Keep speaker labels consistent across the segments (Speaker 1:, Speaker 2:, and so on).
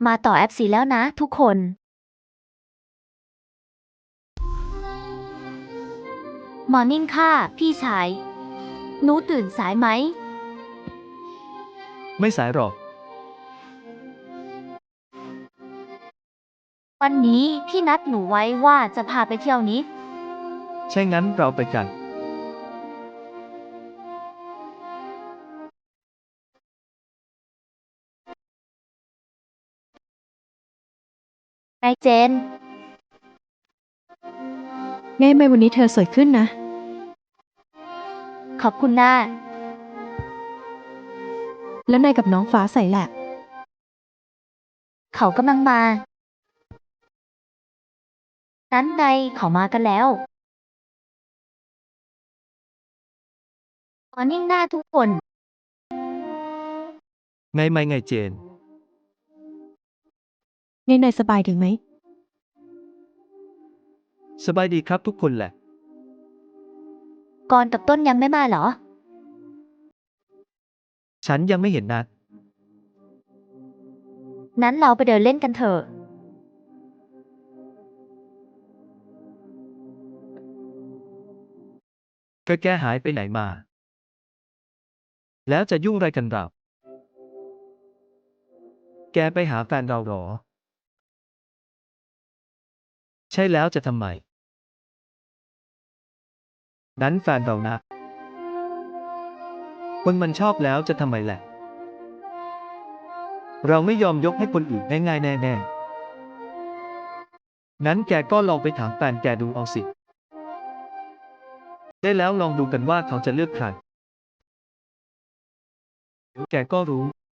Speaker 1: มาต่อ FC แล้วนะทุกคนมอร์นิ่งค่ะพี่ชายหนูตื่นสายไหม
Speaker 2: ไม่สายหรอก
Speaker 1: วันนี้พี่นัดหนูไว้ว่าจะพาไปเที่ยวนี้
Speaker 2: ใช่งั้นเราไปกัน
Speaker 1: นายเจน
Speaker 3: ไงไม่วันนี้เธอสวยขึ้นนะ
Speaker 1: ขอบคุณนะ
Speaker 3: แล้วนายกับน้องฟ้าใสแหละ
Speaker 1: เขากำลังมา นั้นไงเขามากันแล้วมอร์นิ่งหน้าทุกคน
Speaker 2: ไงไม่ไงเจน
Speaker 3: ไงนายสบายถึงไหม
Speaker 2: สบายดีครับทุกคนแหละ
Speaker 1: กรกับต้นยังไม่มาเหรอ
Speaker 2: ฉันยังไม่เห็นนัด
Speaker 1: นั้นเราไปเดินเล่นกันเถอะ
Speaker 2: ก็แกหายไปไหนมา แล้วจะยุ่งอะไรกันเราแกไปหาแฟนเราหรอ ใช่แล้วจะทำไม นั้นแฟนเรานะ คนมันชอบแล้วจะทำไมแหละ เราไม่ยอมยกให้คนอื่นง่ายๆแน่ๆงั้นแกก็ลองไปถามแฟนแกดูเอาสิ ได้แล้วลองดูกันว่าเขาจะเลือกใครเดี๋ยวแกก็รู้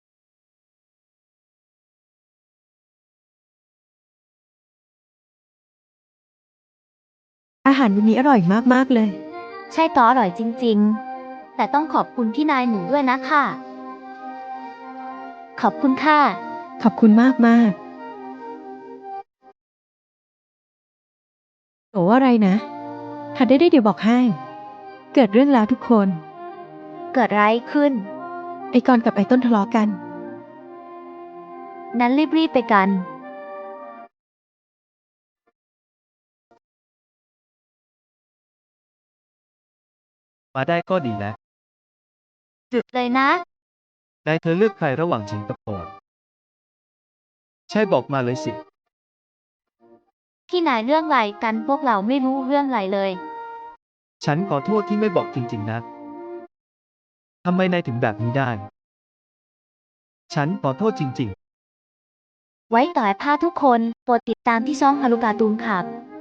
Speaker 3: อาหารวันนี้อร่อยมากๆเลย
Speaker 1: ใช่ต่ออร่อยจริงๆ แต่ต้องขอบคุณพี่นายหนูด้วยนะค่ะ ขอบคุณค่ะ
Speaker 3: ขอบคุณมากๆโอ้อะไรนะหัดได้เดี๋ยวบอกให้ เกิดเรื่องแล้วทุกคน
Speaker 1: เกิดอะไรขึ้น
Speaker 3: ไอ้กรกับไอ้ต้นทะเลาะกัน
Speaker 1: นั้นรีบๆไปกัน
Speaker 2: มาได้ก็ดีแล้ว
Speaker 1: จุดเลยนะ
Speaker 2: นายเธอเลือกใครระหว่างฉิงกับโอนใช่บอกมาเลยสิ
Speaker 1: พี่นายเรื่องอะไรกันพวกเราไม่รู้เรื่องอะไรเลย
Speaker 2: ฉันขอโทษที่ไม่บอกจริงๆนะ ทำไมนายถึงแบบนี้ได้ ฉันขอโทษจริง
Speaker 1: ไว้ต่อให้พาทุกคนโปรดติดตามที่ช่องฮารุการ์ตูนครับ